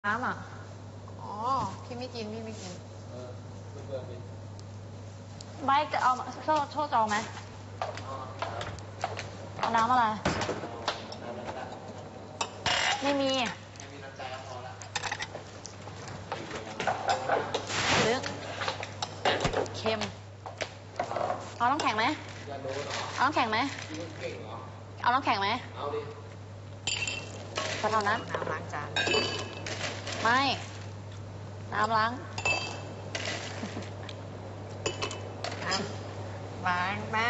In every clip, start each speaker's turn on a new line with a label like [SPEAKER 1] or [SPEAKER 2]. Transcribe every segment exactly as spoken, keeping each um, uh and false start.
[SPEAKER 1] น้ำอ่ะ
[SPEAKER 2] อ๋อพี่ไม่กินพี่ไม่กิน
[SPEAKER 3] เออไม่เบื่อกิน
[SPEAKER 1] ไบค์จะเอาโซ่โซ่จองไหมเอาน้ำอะไรไม่มี
[SPEAKER 3] ไม่มีน้ำใจก็พอละ
[SPEAKER 1] หรือเค็มเอาน้ำแข็งไหม
[SPEAKER 3] อยากรู้เหรอ
[SPEAKER 1] เอาน้ำแข็งไหม
[SPEAKER 3] กินเก่งเหรอ
[SPEAKER 1] เอาน้ำแข็งไหม
[SPEAKER 3] เอาดิ
[SPEAKER 1] ก็เท่านั้น
[SPEAKER 2] น้ำล้างจาน
[SPEAKER 1] ไม่น้ำล้าง
[SPEAKER 2] น้ำล้างแม่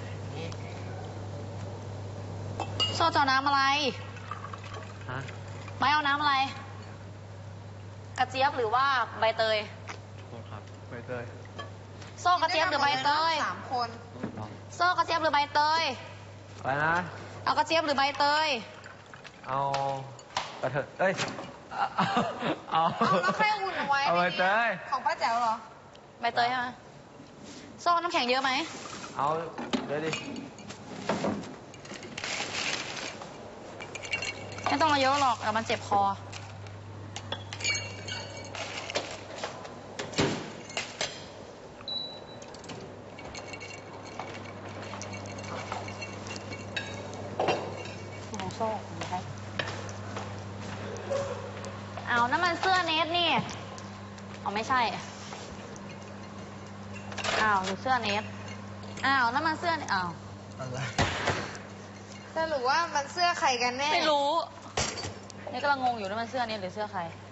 [SPEAKER 1] โซ่จะเอาน้ำอะไร
[SPEAKER 3] ฮะ
[SPEAKER 1] ไม่เอาน้ำอะไรกระเจี๊ยบหรือว่าใบเตย
[SPEAKER 3] โทษครับใบเตย
[SPEAKER 1] โซ่กระเจี๊ยบหรือใบเตย
[SPEAKER 2] สามคน
[SPEAKER 1] โซ่กระเจี๊ยบหรือใบเตย
[SPEAKER 3] อะไรนะ
[SPEAKER 1] เอากระเจี๊ยบหรือใบเตย
[SPEAKER 3] เอากระเทยเอ้ยเอา
[SPEAKER 2] เอาแล้วใครอุ่นเอาไว้
[SPEAKER 3] เอาใบเตย
[SPEAKER 2] ของป้าแจ๋วเหรอ
[SPEAKER 1] ใบเตยใช่ไหมโซ่น้ำแข็งเยอะไหม
[SPEAKER 3] เอาเดี๋ยวดิ
[SPEAKER 1] ไม่ต้องเอาเยอะหรอกเดี๋ยวมันเจ็บคอของโซ่ใช่เอาน้ำมันเสื้อเนสนี่เอาไม่ใช่อ้าวหรือเสื้อเนสอ้าวน้ำมันเสื้อนี่อ้าว
[SPEAKER 3] อะไร
[SPEAKER 2] สรุปว่ามันเสื้อใครกันแน่
[SPEAKER 1] ไม่รู้นี่กำลังงงอยู่น้ำมันเสื้อเนสหรือเสื้อใคร